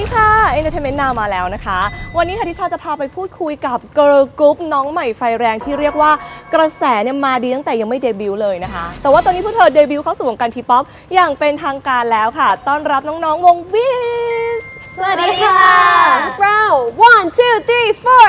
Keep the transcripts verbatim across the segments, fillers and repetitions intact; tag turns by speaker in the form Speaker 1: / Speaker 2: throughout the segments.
Speaker 1: ดีค่ะ Entertainment Now มาแล้วนะคะวันนี้ค่ะทิชาจะพาไปพูดคุยกับ Girl Group น้องใหม่ไฟแรงที่เรียกว่ากระแสเนี่ยมาดีตั้งแต่ยังไม่เดบิวต์เลยนะคะแต่ว่าตอนนี้พวกเธอเดบิวต์เข้าสู่วงการทีป๊อปอย่างเป็นทางการแล้วค่ะต้อนรับน้องๆวง Viz
Speaker 2: สวัสดีค่ะเรา one two three four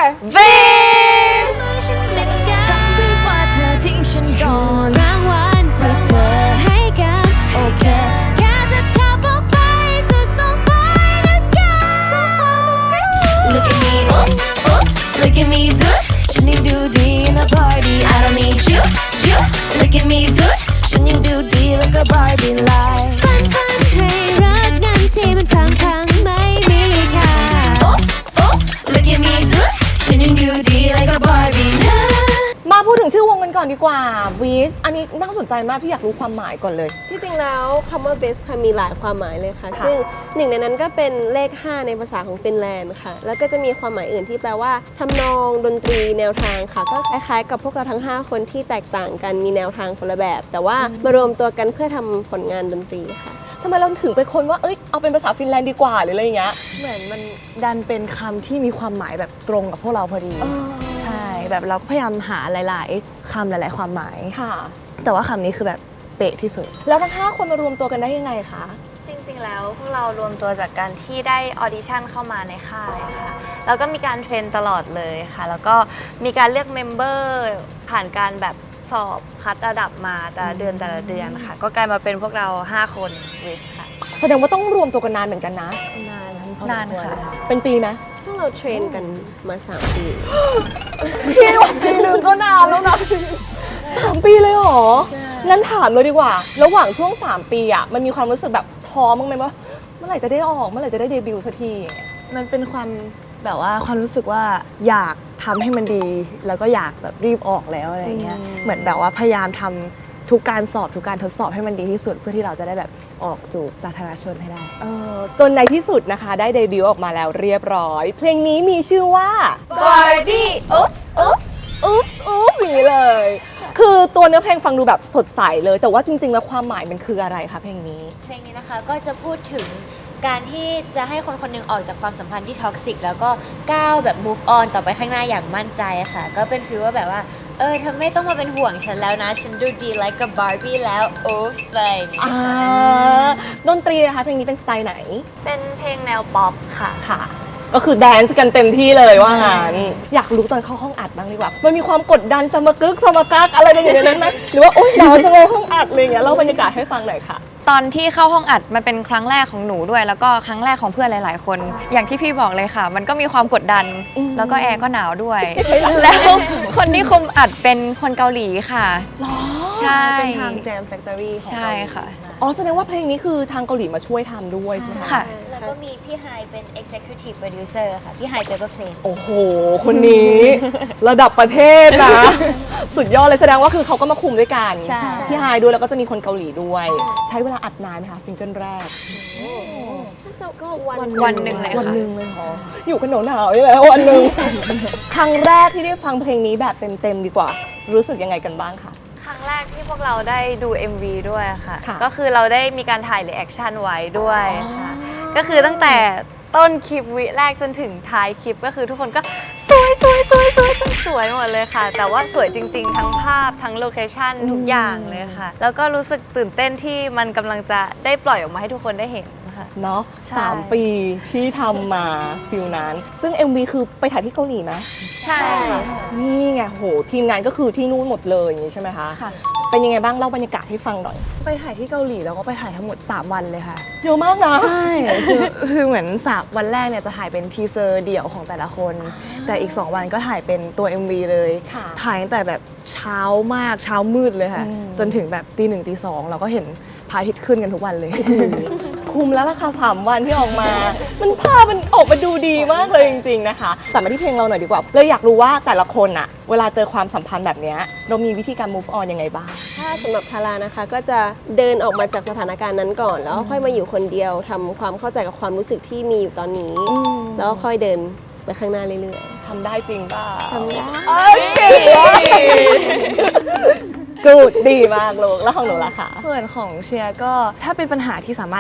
Speaker 1: Viz
Speaker 3: จำไว้ว่าเธอทิ้งฉันก่อนรางวัลที่เธอให้กันโอเคแค่จะขับออกไปสุด so far in the sky so far in the sky Look at me oops oops Look at me do it ฉันยังดูดี in a party I don't need you you Look at me do it ฉันยังดูดี like a Barbie life ฝันฝันให้รักนั้นที่มันพังพังไม่มีค่า Oops oops Look at me do it ฉันยังดูดี like a Barbie life
Speaker 1: มาพูดถึงชื่อวงกันก่อนดีกว่า Viz อันนี้น่าสนใจมากพี่อยากรู้ความหมายก่อนเลย
Speaker 2: ที่จริงแล้วคำว่า best ค่ะมีหลายความหมายเลยค่ะซึ่งหนึ่งในนั้นก็เป็นเลขห้าในภาษาของฟินแลนด์ค่ะแล้วก็จะมีความหมายอื่นที่แปลว่าทำนองดนตรีแนวทางค่ะก็คล้ายๆกับพวกเราทั้งห้าคนที่แตกต่างกันมีแนวทางคนละแบบแต่ว่ามารวมตัวกันเพื่อทำผลงานดนตรีค่ะ
Speaker 1: ทำไมเราถึงเป็นคนว่าเอ้ยเอาเป็นภาษาฟินแลนด์ดีกว่าหรืออะไรอย่างเงี้ย
Speaker 4: เหมือนมันดันเป็นคำที่มีความหมายแบบตรงกับพวกเราพอดีใช่แบบเราก็พยายามหาหลายๆคำหลายๆความหมาย
Speaker 1: ค่ะ
Speaker 4: แต่ว่าคำนี้คือแบบเป๊ะที่สุด
Speaker 1: แล้วทั้งห้าคนมารวมตัวกันได้ยังไงคะ
Speaker 5: จริงๆแล้วพวกเรารวมตัวจากการที่ได้ออดิชั่นเข้ามาในค่ายค่ะแล้วก็มีการเทรนตลอดเลยค่ะแล้วก็มีการเลือกเมมเบอร์ผ่านการแบบสอบคัดระดับมาแต่ละเดือนแต่ละเดือนค่ะก็กลายมาเป็นพวกเราห้าคนวิสค่ะ
Speaker 1: แสดงว่าต้องรวมตัวกันนานเหมือนกันนะ
Speaker 4: นาน
Speaker 5: นานค่ะ
Speaker 1: เป็นปีไหม
Speaker 2: พวกเราเทรนกันมาสามปี
Speaker 1: พี่ว่าปีนึงก็นานแล้วนะสามปีเลยเหรองั้นถามเลยดีกว่าระหว่างช่วงสามปีอะมันมีความรู้สึกแบบท้อมั้งไหมว่าเมื่อไหร่จะได้ออกเมื่อไหร่จะได้เดบิวต์สักที
Speaker 4: มันเป็นความแบบว่าความรู้สึกว่าอยากทำให้มันดีแล้วก็อยากแบบรีบออกแล้วอะไรเงี้ยเหมือนแบบว่าพยายามทำทุกการสอบทุกการทดสอบให้มันดีที่สุดเพื่อที่เราจะได้แบบออกสู่สาธารณชนให้ได้
Speaker 1: จนในที่สุดนะคะได้เดบิวต์ออกมาแล้วเรียบร้อยเพลงนี้มีชื่อว่า
Speaker 2: Barbie oops oops
Speaker 1: oops oops อย่างนี้เลยคือตัวเนื้อเพลงฟังดูแบบสดใสเลยแต่ว่าจริงๆแล้วความหมายมันคืออะไรคะเพลงนี้
Speaker 3: เพลงนี้นะคะก็จะพูดถึงการที่จะให้คนคนหนึ่งออกจากความสัมพันธ์ที่ท็อกซิกแล้วก็ก้าวแบบ move on ต่อไปข้างหน้าอย่างมั่นใจค่ะก็เป็นฟีลว่าแบบว่าเออเธอไม่ต้องมาเป็นห่วงฉันแล้วนะฉันดูดี like a Barbie แล้วโอ้ใส่
Speaker 1: อ่าดนตรีนะคะเพลงนี้เป็นสไตล์ไหน
Speaker 5: เป็นเพลงแนวป๊อปค่ะ
Speaker 1: ค่ะก็คือแดนซ์กันเต็มที่เลยว่างั้นอยากรู้ตอนเข้าห้องอัดบ้างดีกว่ามันมีความกดดันสมกึกสมกักอะไรกันอยู่ในนั้นไหมหรือว่าโอ๊ยหนาวจังเลยห้องอัดอะไรเงี้ยเล่าบรรยากาศให้ฟังหน่อยค่ะ
Speaker 6: ตอนที่เข้าห้องอัดมันเป็นครั้งแรกของหนูด้วยแล้วก็ครั้งแรกของเพื่อนหลายๆคนอย่างที่พี่บอกเลยค่ะมันก็มีความกดดันแล้วก็แอร์ก็หนาวด้วย แล้วคนที่คุมอัดเป็นคนเกาหลีค่ะใช่
Speaker 4: เป็นทาง Jam Factory ของ
Speaker 6: ใช่ค่ะ
Speaker 1: อ๋อแสดงว่าเพลงนี้คือทางเกาหลีมาช่วยทำด้วยใช่ไหม
Speaker 6: ค่ะ
Speaker 3: แล้วก็มีพี่ไฮเป็น executive producer ค่ะพี่ไฮเจอร์เพลง
Speaker 1: โอ้โหคนนี้ระดับประเทศนะสุดยอดเลยแสดงว่าคือเขาก็มาคุมด้วยกันพี่ไฮด้วยแล้วก็จะมีคนเกาหลีด้วยใช้เวลาอัดนานไหมคะซิงเกิลแรก
Speaker 2: น่าจะก็วัน
Speaker 6: วันหนึ่งเลยค่ะ
Speaker 1: วันหนึ่งเลยเหรออยู่กันหนาวๆนี่แหละวันหนึ่งครั้งแรกที่ได้ฟังเพลงนี้แบบเต็มๆดีกว่ารู้สึกยังไงกันบ้างคะ
Speaker 5: ครั้งแรกที่พวกเราได้ดู เอ็ม วี ด้วยค่ะก็คือเราได้มีการถ่ายรีแอคชั่นไว้ด้วยค่ะก็คือตั้งแต่ต้นคลิปวิแรกจนถึงท้ายคลิปก็คือทุกคนก็สวยสวยสวยสวยสวยหมดเลยค่ะแต่ว่าสวยจริงๆทั้งภาพทั้งโลเคชั่นทุกอย่างเลยค่ะแล้วก็รู้สึกตื่นเต้นที่มันกำลังจะได้ปล่อยออกมาให้ทุกคนได้เห็น
Speaker 1: เนาะสามปีที่ทำมาฟิลนั้นซึ่ง เอ็ม วี คือไปถ่ายที่เกาหลีไหม
Speaker 5: ใช่ค่ะ
Speaker 1: นี่ไงโหทีมงานก็คือที่นู่นหมดเลยอย่างนี้ใช่ไหมคะค่ะเป็นยังไงบ้างเล่าบรรยากาศให้ฟังหน่อย
Speaker 4: ไปถ่ายที่เกาหลีแล้วก็ไปถ่ายทั้งหมดสามวันเลยค่ะ
Speaker 1: เยอะมากนะ
Speaker 4: ใช่คือคือเหมือนสามวันแรกเนี่ยจะถ่ายเป็นทีเซอร์เดี่ยวของแต่ละคนแต่อีกสองวันก็ถ่ายเป็นตัว เอ็ม วี เลยถ่ายตั้งแต่แบบเช้ามากเช้ามืดเลยค่ะจนถึงแบบตีหนึ่งตีสองเราก็เห็นพระอาทิตย์ขึ้นกันทุกวันเลย
Speaker 1: คุมแล้วราคาสามวันที่ออกมา มันภาพมันออกมาดูดีมากเลยจริงๆนะคะแต่มาที่เพลงเราหน่อยดีกว่าเลยอยากรู้ว่าแต่ละคนอะเวลาเจอความสัมพันธ์แบบนี้เรามีวิธีการ move on ยังไงบ้าง
Speaker 2: ถ้าสำหรับทารานะคะก็จะเดินออกมาจากสถานการณ์นั้นก่อนแล้วค่อยมาอยู่คนเดียวทำความเข้าใจกับความรู้สึกที่มีอยู่ตอนนี้แล้วค่อยเดินไปข้างหน้าเรื่อย
Speaker 1: ๆทำได้จริงป่ะ
Speaker 2: ทำได้
Speaker 1: กูดดีมากลูกแล้วของหนูล่ะคะ
Speaker 4: ส่วนของเชียร์ก็ถ้าเป็นปัญหาที่สามารถ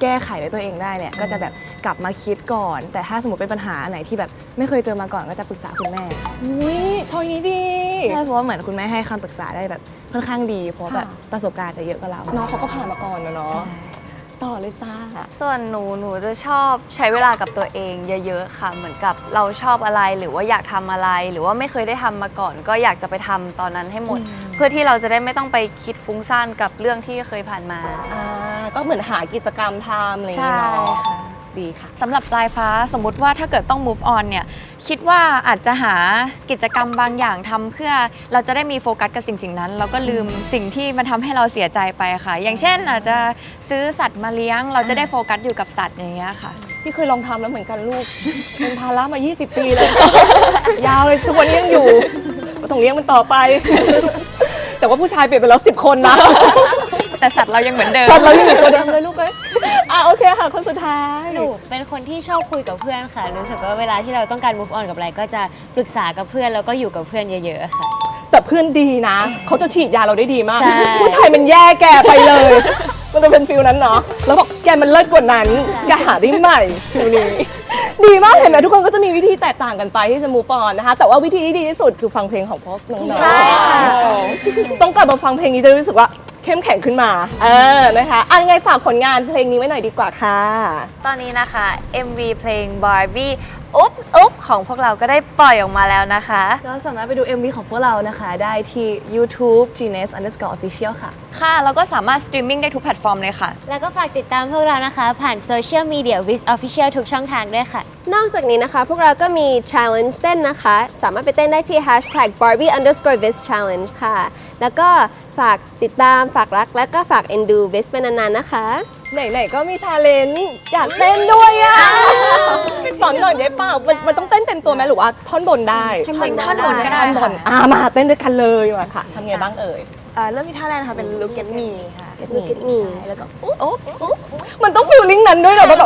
Speaker 4: แก้ไขด้วยตัวเองได้เนี่ยก็จะแบบกลับมาคิดก่อน แต่ถ้าสมมติเป็นปัญหาอันไหนที่แบบไม่เคยเจอมาก่อนก็จะปรึกษาคุณแม่
Speaker 1: อุ้ยชอยนี้ดี
Speaker 4: ใช่เพราะว่าเหมือนคุณแม่ให้คำปรึกษาได้แบบค่อนข้างดี เพราะแบบ
Speaker 1: ค่ะ
Speaker 4: ประสบการณ์จะเยอะกว่าเรา
Speaker 1: น้องเขาก็ผ่านมาก่อนนะเนาะ
Speaker 4: ใช่
Speaker 1: ต่อเลยจ้า
Speaker 5: ส่วนหนูหนูจะชอบใช้เวลากับตัวเองเยอะๆค่ะ เหมือนกับเราชอบอะไรหรือว่าอยากทำอะไร หรือว่าไม่เคยได้ทำมาก่อน ก็อยากจะไปทำตอนนั้นให้หมด เพื่อที่เราจะได้ไม่ต้องไปคิดฟุ้งซ่านกับเรื่องที่เคยผ่านมา
Speaker 1: อ่าก็เหมือนหากิจกรรมทำอะไรอย่าง
Speaker 5: ใช่
Speaker 1: เงี้ยเนาะ
Speaker 5: ค่ะ
Speaker 1: ดีค่ะ
Speaker 5: สำหรับปลายฟ้าสมมุติว่าถ้าเกิดต้อง move on เนี่ยคิดว่าอาจจะหากิจกรรมบางอย่างทำเพื่อเราจะได้มีโฟกัสกับสิ่งสิ่งนั้นเราก็ลืมสิ่งที่มันทำให้เราเสียใจไปค่ะ อย่างเช่นอาจจะซื้อสัตว์มาเลี้ยง เราจะได้โฟกัสอยู่กับสัตว์อย่างเงี้ยค่ะ
Speaker 1: พี่เคยลองทำแล้วเหมือนกันลูก เป็นภาระมา ยี่สิบ ปีเลย ยาวเลยทุกวันนี้ยังอยู่ต้องเลี้ยงมันต่อไป แต่ว่าผู้ชายเปลี่ยนไปแล้วสิบคนนะ
Speaker 5: แต่สัตว์เรายังเหมือนเดิม
Speaker 1: ตอนเรายังอยู่ตัวเดิมเลยลูกเอ้ยอ่ะโอเคค่ะคนสุดท้าย
Speaker 7: หนูเป็นคนที่ชอบคุยกับเพื่อนค่ะ รู้สึกว่าเวลาที่เราต้องการ move on กับอะไร ก็จะปรึกษากับเพื่อนแล้วก็อยู่กับเพื่อนเยอะๆค่ะ
Speaker 1: แต่เพื่อนดีนะ เขาจะฉีดยาเราได้ดีมาก
Speaker 7: ใช่
Speaker 1: ผู้ชายมันแย่แกไปเลย มันจะเป็นฟิลนั้นเนาะ แล้วบอกแกมันเลิศกว่านั้นแกหาได้ใหม่ฟิลนี้ ดีมากเห็นไหมทุกคนก็จะมีวิธีแตกต่างกันไปที่จะ move on นะคะ แต่ว่าวิธีที่ดีที่สุดคือฟังเพลงของพวกน้องๆต้องกลับมาฟังเพลงนี้จะรู้สึกว่าเข้มแข็งขึ้นมา เออ นะคะอ่ะยังไงฝากผลงานเพลงนี้ไว้หน่อยดีกว่าค่ะ
Speaker 5: ตอนนี้นะคะ เอ็ม วี เพลง Barbie อุ๊บอุ๊บของพวกเราก็ได้ปล่อยออกมาแล้วนะคะ
Speaker 4: ก็สามารถไปดู เอ็ม วี ของพวกเรานะคะได้ที่ YouTube Genius underscore official ค่ะ
Speaker 5: ค่ะแล้วก็สามารถสตรีมมิ่งได้ทุกแพลตฟอร์มเลยค่ะ
Speaker 7: แล้วก็ฝากติดตามพวกเรานะคะ ผ่านโซเชียลมีเดีย Wiz Official ทุกช่องทางด้วยค่ะ
Speaker 2: นอกจากนี้นะคะ พวกเราก็มี challenge เต้นนะคะ สามารถไปเต้นได้ที่ hashtag Barbie underscore Viz challenge ค่ะ แล้วก็ฝากติดตามฝากรัก แล้วก็ฝากเอ็นดู Viz เป็นนานๆนะคะ
Speaker 1: ไหนๆก็มีชาเลนจ์อยากเต้นด้วยอ่ะ สอนหน่อยได้เปล่ามันมันต้องเต้นเต็มตัวไหมหรือว่าท่อนบนได้
Speaker 5: ท่อนบนท่อนบนก็ได้
Speaker 1: ท่อนบนอ่ามาเต้นด้วยกันเลยมาค่ะทำไงบ้างเอ่ย
Speaker 4: อ่าเริ่มที่ท่าแรกนะคะเป็น Look at me ค่ะ
Speaker 2: Look at me
Speaker 4: ใช่แล้วก็
Speaker 1: มันต้องฟิลลิ่งนั้นด้วยเหรอแบบ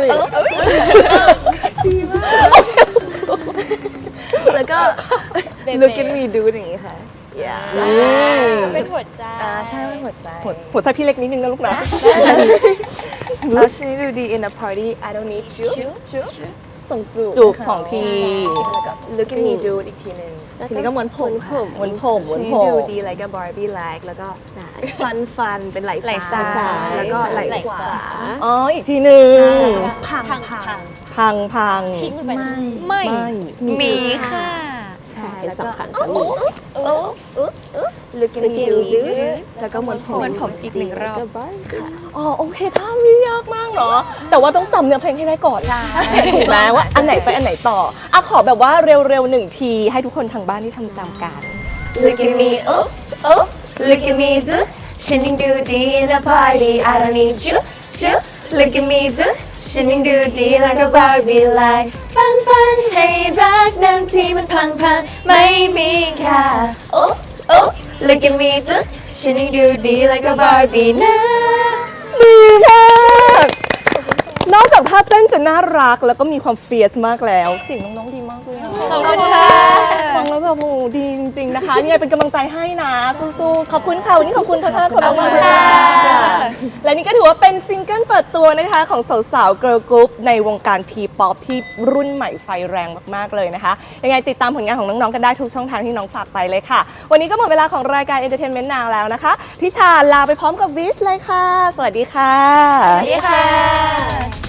Speaker 4: แล้วก็ Look at me do อย่างนี้ค่ะ yeah
Speaker 7: เป็นหัวใจ
Speaker 4: อ่าใช่เป็นหัวใจ
Speaker 1: หัวใจพี่เล็กนิดนึงนะลูกนะ
Speaker 4: แล้วชิ้นนี้ดูดี in a party I don't need you ส่งจูบ
Speaker 1: จูบสองที
Speaker 4: แล้วก็ Look at me do อีกทีหนึงทีนี้ก็ม้วนผมค่ะ
Speaker 1: ม้วนผมม้วนผม
Speaker 4: ดูดี like a Barbie like แล้วก็ฟันฟันเป็นไหล่
Speaker 5: ไหล่ซ้าย
Speaker 4: ซ้ายแล้วก็ไหล่
Speaker 7: ไหล่
Speaker 4: ขวา
Speaker 7: ขวา
Speaker 1: อ๋ออีกทีหนึ่ง
Speaker 4: พัง
Speaker 7: พัง
Speaker 4: พัง
Speaker 7: พัง
Speaker 1: พังพัง
Speaker 7: ทิ้งมันไป
Speaker 4: ไม่
Speaker 5: ไม่
Speaker 1: ไม่
Speaker 5: มีค่ะ
Speaker 4: ใช่
Speaker 2: เป็น
Speaker 4: แล้ว
Speaker 2: สอง
Speaker 4: ก็
Speaker 2: ครั้งค่ะมี
Speaker 4: Look at me do แล้วก็ม้วนผม
Speaker 5: ม้วนผมอีกหนึ่งรอบ
Speaker 1: อ๋อโอเคท่าไม่ยากมากเนาะแต่ว่าต้องจำเนื้อเพลงให้ได้ก่อน
Speaker 5: ใช่
Speaker 1: ถูกไหมว่าอันไหนไปอันไหนต่ออ่ะขอแบบว่าเร็วๆหนึ่งทีให้ทุกคนทางบ้านที่ทำตามกัน
Speaker 6: Look at me oops oops Look at me do ฉันยังดูดี in a party I don't need you you Look at me do ฉันยังดูดีแล้วก็ Barbie like ฟันฟันให้รักนั้นที่มันพังพังไม่มีค่า oops oops Look at me do ฉันยังดูดีแล้วก็ Barbie นะ
Speaker 1: ดีมาก นอกจากท่าเต้นจะน่ารักแล้วก็มีความเฟียสมากแล้วเสียงน้องๆดีมากเลยอะ
Speaker 5: ขอบคุณค่ะ
Speaker 1: ฟังแล้วแบบโอ้โหดีจริงๆนะคะยังไงเป็นกำลังใจให้นะสู้ๆขอบคุณค่ะวันนี้ขอบคุณทั้งห้าคนมากๆเลยค่ะและนี่ก็ถือว่าเป็นซิงเกิลเปิดตัวนะคะของสาวๆเกิร์ลกรุ๊ปในวงการทีป๊อปที่รุ่นใหม่ไฟแรงมากๆเลยนะคะยังไงติดตามผลงานของน้องๆกันได้ทุกช่องทางที่น้องฝากไปเลยค่ะวันนี้ก็หมดเวลาของรายการ Entertainment Now แล้วนะคะทิชาลาไปพร้อมกับวิสเลยค่ะ สวัสดีค่ะ
Speaker 5: สวัสดีค่ะ